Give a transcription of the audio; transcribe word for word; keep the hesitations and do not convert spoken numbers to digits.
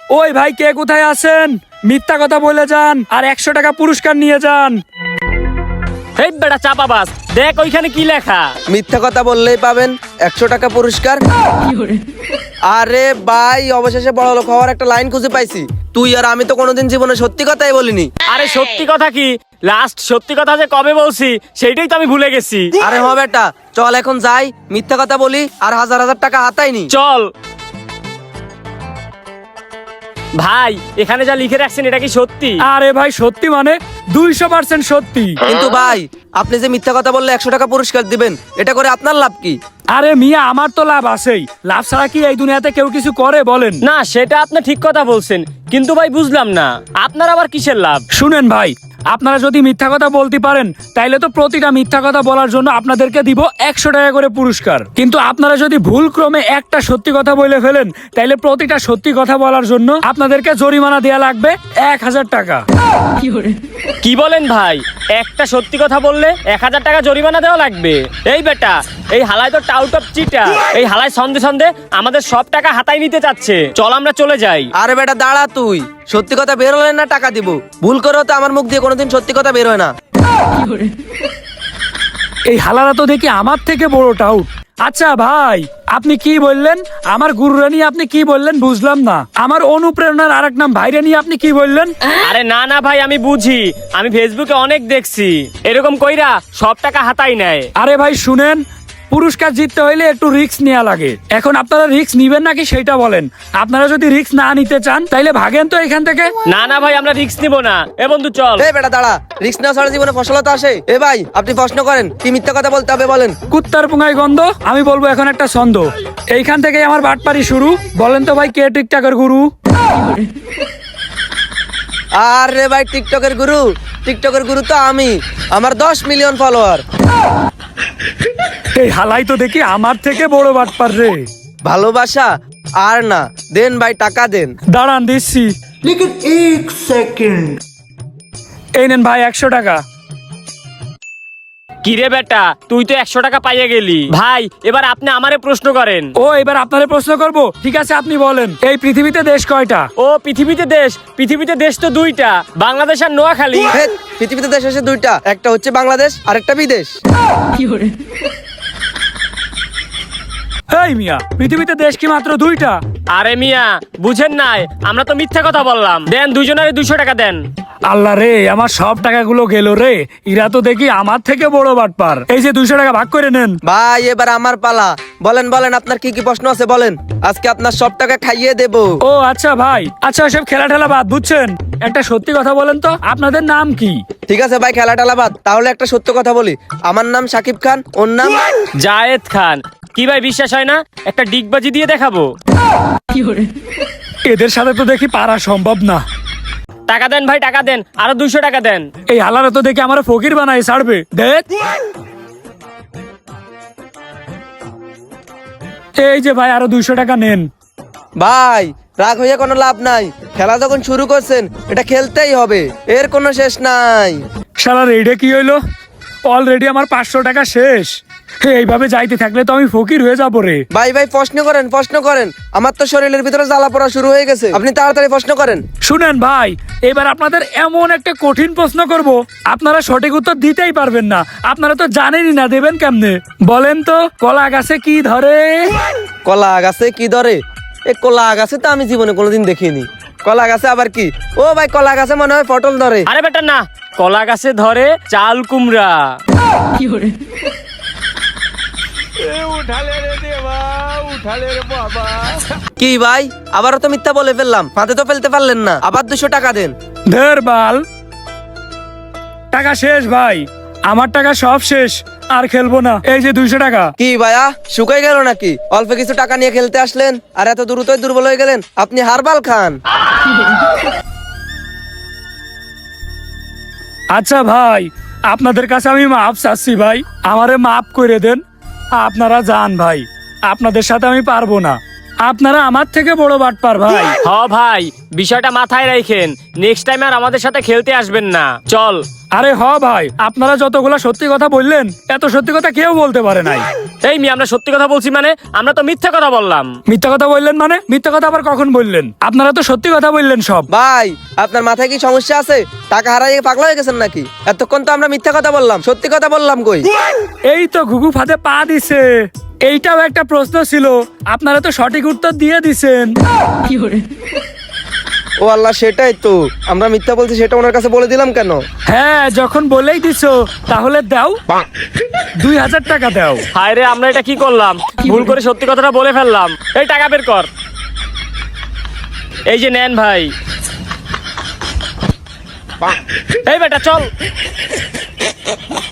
ওই ভাই কে কোথায় আছেন? মিথ্যা কথা বলে যান আর একশো টাকা পুরস্কার নিয়ে যান। এই বেটা চাপাবাজ, দেখ ওইখানে কি লেখা। মিথ্যা কথা বললেই পাবেন একশো টাকা পুরস্কার। আরে ভাই, অবশেষে বড় লোক হওয়ার একটা লাইন খুঁজে পাইছি। তুই আর আমি তো কোনোদিন জীবনে সত্যি কথাই বলিনি। আরে সত্যি কথা কি, লাস্ট সত্যি কথা যে কবে বলছি সেইটাই তো আমি ভুলে গেছি। আরে হ বেটা, চল এখন যাই, মিথ্যা কথা বলি আর হাজার হাজার টাকা হাতাইনি। চল ভাই, এখানে যা লিখে রাখছেন এটা কি সত্যি? আরে ভাই সত্যি মানে দুইশো পার্সেন্ট সত্যি। কিন্তু ভাই, আপনি যে মিথ্যা কথা বললে একশো টাকা পুরস্কার দিবেন, এটা করে আপনার লাভ কি? আরে মিয়া, আমার তো লাভ আছেই। লাভ ছাড়া কি এই দুনিয়াতে কেউ কিছু করে বলেন? না, সেটা আপনি ঠিক কথা বলছেন, কিন্তু ভাই বুঝলাম না আপনার আবার কিসের লাভ। শুনেন ভাই, আপনারা যদি মিথ্যা কথা বলতে পারেন তাইলে তো প্রতিটা মিথ্যা কথা বলার জন্য আপনাদেরকে দিব একশো টাকা করে পুরস্কার। কিন্তু আপনারা যদি ভুল ক্রমে একটা সত্যি কথা বলে ফেলেন তাইলে প্রতিটা সত্যি কথা বলার জন্য আপনাদেরকে জরিমানা দেয়া লাগবে এক হাজার টাকা। কি বলেন ভাই, একটা সত্যি কথা বললে এক হাজার টাকা জরিমানা দেওয়া লাগবে? এই বেটা, এই হালাই তো টাউট অফ চিটা। এই হালাই সন্ধে সন্ধে আমাদের সব টাকা হাতায় নিতে চাচ্ছে। চল আমরা চলে যাই। আরে বেটা দাঁড়া, তুই সত্যি কথা বের হলে না টাকা দিব। ভুল করেও তো আমার মুখ দিয়ে কোনোদিন সত্যি কথা বের হয় না। এই হালারা তো দেখি আমার থেকে বড় টাউট। আচ্ছা ভাই, আপনি কি বললেন? আমার গুরুরা নিয়ে আপনি কি বললেন বুঝলাম না। আমার অনুপ্রেরণার আরেক নাম ভাইরা নিয়ে আপনি কি বললেন? আরে না না ভাই, আমি বুঝি, আমি ফেসবুকে অনেক দেখছি এরকম কইরা সব টাকা হাতাই নেয়। আরে ভাই শুনেন, পুরস্কার জিততে হইলে একটু রিস্ক নেওয়া লাগে। এখন আপনারা রিস্ক নিবেন নাকি সেটা বলেন। আপনারা যদি রিস্ক না নিতে চান তাইলে ভাগেন তো এখান থেকে। না না ভাই, আমরা রিস্ক নিব না। এ বন্ধু চল। এই বেটা দাঁড়া, রিস্ক নেওয়া ছাড়া জীবনে ফসলতা আসে? এ ভাই, আপনি প্রশ্ন করেন, কি মিথ্যা কথা বলতে হবে বলেন। কুত্তার পুঙ্গায় গন্ধ। আমি বলবো এখন একটা ছন্দ। এইখান থেকেই আমার বাটপারি শুরু। বলেন তো ভাই, কে টিকটকের গুরু? আরে ভাই, টিকটকের গুরু? টিকটকের গুরু তো আমি। আমার দশ মিলিয়ন ফলোয়ার। এই হালাই তো দেখি আমার থেকে বড় বাটপার রে। ভালোবাসা আর না, দেন ভাই, টাকা দেন। দাঁড়ান দিচ্ছি। लेकिन एक सेकंड। এই নেন ভাই একশো টাকা। কিরে বেটা, তুই তো একশো টাকা পাইয়ে গেলি। ভাই, এবার আপনি আমারে প্রশ্ন করেন। ও, এবার আপনারে প্রশ্ন করব। ঠিক আছে, আপনি বলেন, এই পৃথিবীতে দেশ কয়টা? ও পৃথিবীতে দেশ? পৃথিবীতে দেশ তো দুইটা, বাংলাদেশ আর নোয়াখালী। হে, পৃথিবীতে দেশ আছে দুইটা, একটা হচ্ছে বাংলাদেশ আর একটা বিদেশ। এই মিয়া, পৃথিবীতে দেশ কি মাত্র দুইটা? আরে মিয়া, বুঝেন নাই, আমরা তো মিথ্যা কথা বললাম। দেন দুইজনের দুইশো টাকা দেন। আল্লাহ রে, আমার সব টাকাগুলো গেল রে। এরা তো দেখি আমার থেকে বড় বাটপার। এই যে দুইশো টাকা ভাগ করে নেন। ভাই, এবার আমার পালা। বলেন বলেন, আপনার কি কি প্রশ্ন আছে বলেন, আজকে আপনার সব টাকা খাইয়ে দেব। ও আচ্ছা ভাই, আচ্ছা সব খেলা ঠেলা বাদ, বুঝছেন? একটা সত্যি কথা বলেন তো, আপনাদের নাম কি? ঠিক আছে ভাই, খেলা টেলা বাদ, তাহলে একটা সত্য কথা বলি। আমার নাম সাকিব খান, ওর নাম জায়েদ খান। কি ভাই বিশ্বাস হয় না? একটা ডিগবাজি দিয়ে দেখাবো। এদের সাথে তো দেখি পারা সম্ভব না। টাকা দেন ভাই, টাকা দেন, আরো দুইশো টাকা দেন। এই হালারা তো দেখি আমার ফকির বানাই ছাড়বে। দেখ, এই যে ভাই আরো দুইশো টাকা নেন। ভাই, রাগ হইয়া কোনো লাভ নাই। খেলা যখন শুরু করছেন, এটা খেলতেই হবে, এর কোনো শেষ নাই। শালার এইটা কি হইলো? অলরেডি আমার পাঁচশো টাকা শেষ। এইভাবে যাইতে থাকলে তো আমি ফকির হয়ে যাবো রে। ভাই ভাই, প্রশ্ন করেন প্রশ্ন করেন, আমার তো শরীরের ভিতরে জ্বালা পড়া শুরু হয়ে গেছে। আপনি তাড়াতাড়ি প্রশ্ন করেন। শুনেন ভাই, এবার আপনাদের এমন একটা কঠিন প্রশ্ন করব, আপনারা সঠিক উত্তর দিতেই পারবেন না। আপনারা তো জানেনই না, দেবেন কেমনে? বলেন তো, কলা গাছে কি ধরে? কলা গাছে কি ধরে? এ কলা গাছে তো আমি জীবনে কোনোদিন দেখিনি। কলা গাছে আবার কি? ও ভাই, কলা গাছে মনে হয় পটল ধরে। আরে বেটা না, কলা গাছে ধরে চাল কুমড়া। কি ভাই, আবারও তো মিথ্যা বলে ফেললাম, ফাঁদে তো ফেলতে পারলেন না। আবার দুশো টাকা দেন। ধের বাল, টাকা শেষ ভাই, আমার টাকা সব শেষ, আর খেলবো না। এই যে দুইশো টাকা। কি ভাইয়া, শুকাই গেল নাকি? অল্প কিছু টাকা নিয়ে খেলতে আসলেন আর এত দ্রুতই দুর্বল হয়ে গেলেন। আপনি হারবাল খান। আচ্ছা ভাই, আপনাদের কাছে আমি মাপ চাচ্ছি ভাই, আমারে মাপ করে দেন। আপনারা যান ভাই, আপনাদের সাথে আমি পারবো না। আপনারা আমার থেকে বড় বাটপার ভাই। হ ভাই, বিষয়টা মাথায় রাখেন, নেক্সট টাইম আর আমাদের সাথে খেলতে আসবেন না। চল। আরে হ ভাই, আপনারা যতগুলা সত্যি কথা বললেন এত সত্যি কথা কেউ বলতে পারে নাই। এই মি আমরা সত্যি কথা বলছি মানে? আমরা তো মিথ্যা কথা বললাম। মিথ্যা কথা বললেন মানে? মিথ্যা কথা আবার কখন বললেন? আপনারা তো সত্যি কথা বললেন সব। ভাই আপনার মাথায় কি সমস্যা আছে? টাকা হারাইয়ে পাগলা হয়ে গেছেন নাকি? এতক্ষণ তো আমরা মিথ্যা কথা বললাম, সত্যি কথা বললাম কই? এই তো ঘুঘু ফাঁদে পা দিছে। এইটাও একটা প্রশ্ন ছিল, আপনারা তো সঠিক উত্তর দিয়ে দিছেন। ও আল্লাহ, সেটাই তো, আমরা মিথ্যা বলছি সেটা ওনার কাছে বলে দিলাম কেন? হ্যাঁ, যখন বলেই দিছো তাহলে দাও, দুই হাজার টাকা দাও। হায় রে, আমরা এটা কি করলাম? ভুল করে সত্যি কথাটা বলে ফেললাম। এই টাকা বের কর। এই যে নেন ভাই। এই বেটা চল।